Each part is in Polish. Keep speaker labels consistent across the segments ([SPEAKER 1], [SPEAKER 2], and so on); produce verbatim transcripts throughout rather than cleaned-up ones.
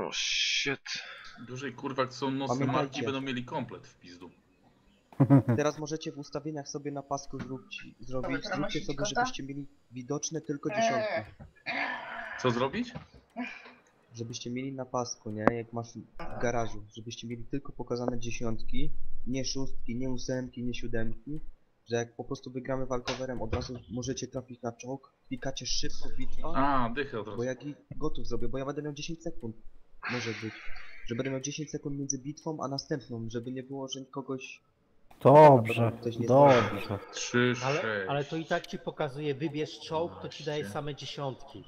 [SPEAKER 1] O shit.
[SPEAKER 2] Dużej kurwa, jak są nocne
[SPEAKER 3] Pamiętajcie.
[SPEAKER 2] marki, będą mieli komplet w pizdu.
[SPEAKER 3] Teraz możecie w ustawieniach sobie na pasku zróbć, zrobić,
[SPEAKER 4] Dobra,
[SPEAKER 3] zróbcie
[SPEAKER 4] nosić
[SPEAKER 3] sobie,
[SPEAKER 4] kota?
[SPEAKER 3] żebyście mieli widoczne tylko dziesiątki.
[SPEAKER 2] Co zrobić?
[SPEAKER 3] Żebyście mieli na pasku, nie? Jak masz w garażu. Żebyście mieli tylko pokazane dziesiątki, nie szóstki, nie ósemki, nie siódemki. Że jak po prostu wygramy walkowerem, od razu możecie trafić na czołg, klikacie szybko bitwa,
[SPEAKER 2] A, dychę od
[SPEAKER 3] bo
[SPEAKER 2] razu.
[SPEAKER 3] jak i gotów zrobię, bo ja będę miał dziesięć sekund. Może być. Że będę miał dziesięć sekund między bitwą a następną, żeby nie było, że kogoś...
[SPEAKER 5] Dobrze,
[SPEAKER 3] Ktoś nie
[SPEAKER 5] dobrze.
[SPEAKER 2] trzy,
[SPEAKER 6] Ale,
[SPEAKER 2] sześć.
[SPEAKER 6] ale to i tak ci pokazuje, wybierz czołg, to ci daje same dziesiątki.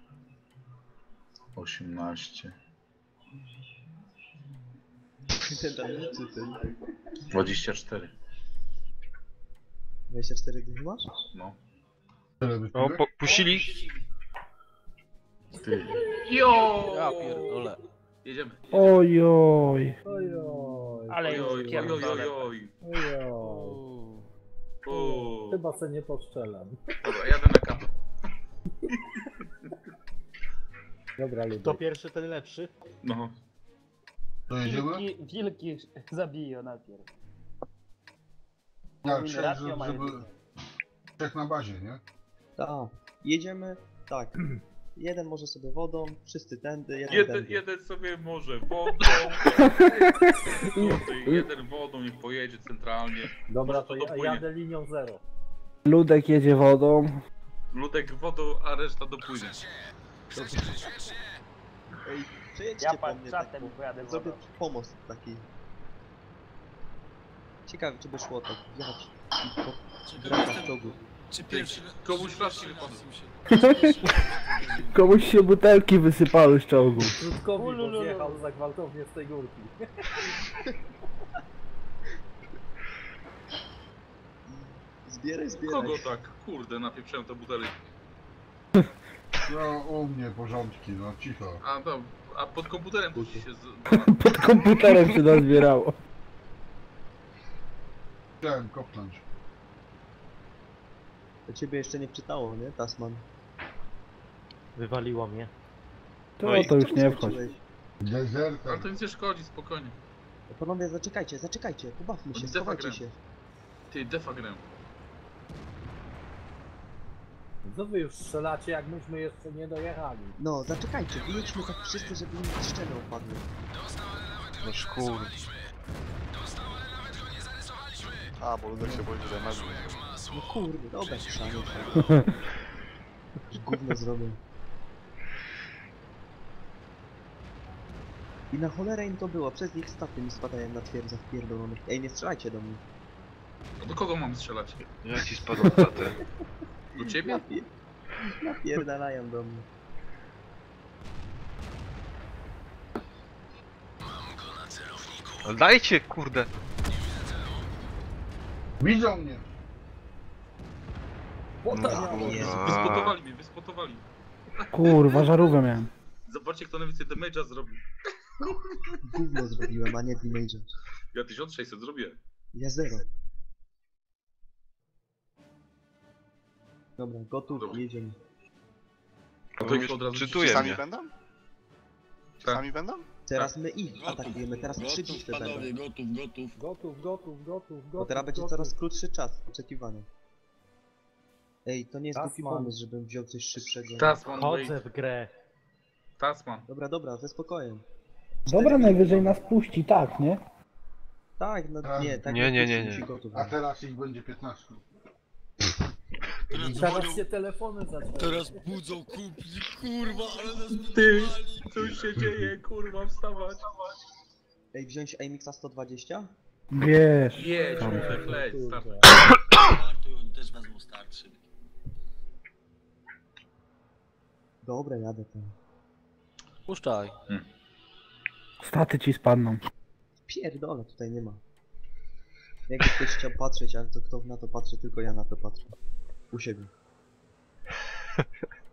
[SPEAKER 2] osiemnaście.
[SPEAKER 3] Ten tam liczy, ten.
[SPEAKER 2] dwadzieścia cztery.
[SPEAKER 3] dwadzieścia cztery dychy masz?
[SPEAKER 2] No.
[SPEAKER 1] O, po, puścili.
[SPEAKER 2] Ty. Jo!
[SPEAKER 7] Ja pierdolę.
[SPEAKER 2] Jedziemy.
[SPEAKER 5] Ojoj.
[SPEAKER 8] Ojoj,
[SPEAKER 6] Ale
[SPEAKER 2] Oj,
[SPEAKER 6] już
[SPEAKER 2] oj, oj, oj,
[SPEAKER 6] pierdolę.
[SPEAKER 2] oj.
[SPEAKER 8] ojoj.
[SPEAKER 2] O.
[SPEAKER 8] Chyba se nie poszczelam.
[SPEAKER 2] Dobra, jadę na kapę.
[SPEAKER 8] Dobra,
[SPEAKER 6] Kto
[SPEAKER 8] lubię.
[SPEAKER 6] pierwszy, ten lepszy.
[SPEAKER 2] No.
[SPEAKER 9] Wilki, wilki zabiją najpierw.
[SPEAKER 10] Ja
[SPEAKER 9] Powinny
[SPEAKER 10] chciałem,
[SPEAKER 9] ratio
[SPEAKER 10] żeby,
[SPEAKER 9] mają
[SPEAKER 10] żeby
[SPEAKER 9] tylko.
[SPEAKER 10] trzech na bazie, nie?
[SPEAKER 3] Tak. Jedziemy, tak. Jeden może sobie wodą, wszyscy tędy, jeden
[SPEAKER 2] Jeden,
[SPEAKER 3] tędy.
[SPEAKER 2] jeden sobie może wodą. Jeden wodą, niech pojedzie centralnie.
[SPEAKER 8] Dobra,
[SPEAKER 2] Może
[SPEAKER 8] to
[SPEAKER 2] to
[SPEAKER 8] ja
[SPEAKER 2] dopłynie.
[SPEAKER 8] jadę linią zero.
[SPEAKER 5] Ludek jedzie wodą.
[SPEAKER 2] Ludek wodą, a reszta dopłynie.
[SPEAKER 3] Ej, przejedźcie
[SPEAKER 9] Ja
[SPEAKER 3] po
[SPEAKER 9] pan
[SPEAKER 3] mnie tak,
[SPEAKER 9] czatem
[SPEAKER 3] bo
[SPEAKER 9] pojadę
[SPEAKER 3] zrobię
[SPEAKER 9] wodą.
[SPEAKER 3] pomost taki. Ciekawe, czy by szło tak wjechać i po drogach w czołgu.
[SPEAKER 7] Czy pierwszy...
[SPEAKER 2] Komuś flaszki wypadły.
[SPEAKER 5] Komuś się butelki wysypały z czołgu.
[SPEAKER 8] Krótkowi, bo
[SPEAKER 9] Ulululu.
[SPEAKER 8] zjechał za gwałtownie z tej górki.
[SPEAKER 3] Zbieraj, zbieraj.
[SPEAKER 2] Kogo tak? Kurde, napieprzałem te butelki.
[SPEAKER 10] No u mnie porządki, no cicho.
[SPEAKER 2] A, no, a pod komputerem to ci się... Z...
[SPEAKER 5] Pod komputerem się nazbierało.
[SPEAKER 10] Chciałem kopnąć.
[SPEAKER 3] To ciebie jeszcze nie wczytało, nie, Tasman?
[SPEAKER 6] Wywaliło mnie.
[SPEAKER 5] To,
[SPEAKER 2] No i
[SPEAKER 5] to już
[SPEAKER 3] Czemu
[SPEAKER 5] nie wchodź.
[SPEAKER 3] skończyłeś?
[SPEAKER 10] Dezerter.
[SPEAKER 2] Ale to nic nie szkodzi, spokojnie.
[SPEAKER 3] Panowie, zaczekajcie, zaczekajcie, pobawmy się,
[SPEAKER 2] Defa
[SPEAKER 3] schowajcie
[SPEAKER 2] gram.
[SPEAKER 3] się.
[SPEAKER 2] Ty, defa grę.
[SPEAKER 8] Co wy już strzelacie, jak myśmy jeszcze nie dojechali?
[SPEAKER 3] No, zaczekajcie, wyjedźmy tak wszyscy, żeby mi ściany opadły.
[SPEAKER 1] No szkur.
[SPEAKER 7] A, bo Ludek się boi, że masz.
[SPEAKER 3] No kurde, dobra, chrzanie. Już gówno zrobię. I na cholerę im to było, przez nich staty mi spadają na twierdzach pierdolonych. Ej, nie strzelajcie do mnie.
[SPEAKER 2] No do kogo mam strzelać?
[SPEAKER 1] Ja ci spadł tatę.
[SPEAKER 2] Do ciebie?
[SPEAKER 3] Napie... Napierdalają do mnie.
[SPEAKER 1] Ale dajcie, kurde.
[SPEAKER 10] Widzą mnie!
[SPEAKER 1] No,
[SPEAKER 3] Jezu.
[SPEAKER 2] Wyspotowali mnie, wyspotowali.
[SPEAKER 5] Kurwa, żarówkę miałem.
[SPEAKER 2] Zobaczcie, kto najwięcej damage'a zrobił.
[SPEAKER 3] Gówno zrobiłem, a nie damage'a.
[SPEAKER 2] Ja tysiąc sześćset zrobiłem.
[SPEAKER 3] Ja zero. Dobra, gotów,
[SPEAKER 2] Dobra.
[SPEAKER 3] jedziemy.
[SPEAKER 2] A to ich od razu
[SPEAKER 1] Czytuje
[SPEAKER 7] Sami
[SPEAKER 1] mnie.
[SPEAKER 7] będą?
[SPEAKER 2] Tak.
[SPEAKER 7] Sami będą?
[SPEAKER 3] Teraz my ich atakujemy, teraz trzy bitwy będą.
[SPEAKER 8] Gotów, gotów, gotów, gotów,
[SPEAKER 3] Bo
[SPEAKER 8] gotów.
[SPEAKER 3] teraz będzie
[SPEAKER 8] gotów.
[SPEAKER 3] coraz krótszy czas oczekiwania. Ej, to nie jest głupi
[SPEAKER 8] Tasman.
[SPEAKER 3] pomysł, żebym wziął coś szybszego.
[SPEAKER 2] Tasman,
[SPEAKER 6] Chodzę
[SPEAKER 2] wait.
[SPEAKER 6] w grę.
[SPEAKER 2] Tasman.
[SPEAKER 3] Dobra, dobra, ze spokojem.
[SPEAKER 5] Dobra, najwyżej nas puści, tak, nie?
[SPEAKER 3] Tak, no
[SPEAKER 10] Tak.
[SPEAKER 3] nie, tak
[SPEAKER 1] Nie, nie, nie,
[SPEAKER 3] musi
[SPEAKER 1] nie.
[SPEAKER 3] gotów
[SPEAKER 10] A
[SPEAKER 3] być.
[SPEAKER 10] teraz ich będzie piętnaście.
[SPEAKER 8] I teraz się telefony zaczęły.
[SPEAKER 7] Teraz budzą kumpli, kurwa, ale nas
[SPEAKER 2] Ty, co już się dzieje, kurwa, wstawać.
[SPEAKER 3] Ej, wziąć Amixa sto dwadzieścia?
[SPEAKER 5] Wiesz.
[SPEAKER 2] Jedź,
[SPEAKER 5] Tam.
[SPEAKER 2] Ludek, leć, start.
[SPEAKER 7] Startują, też wezmą starszy.
[SPEAKER 3] Dobra, jadę tam.
[SPEAKER 7] Puszczaj.
[SPEAKER 5] Staty ci spadną.
[SPEAKER 3] Pierdolę, tutaj nie ma. Jakby ktoś chciał patrzeć, ale to kto na to patrzy, tylko ja na to patrzę. U siebie.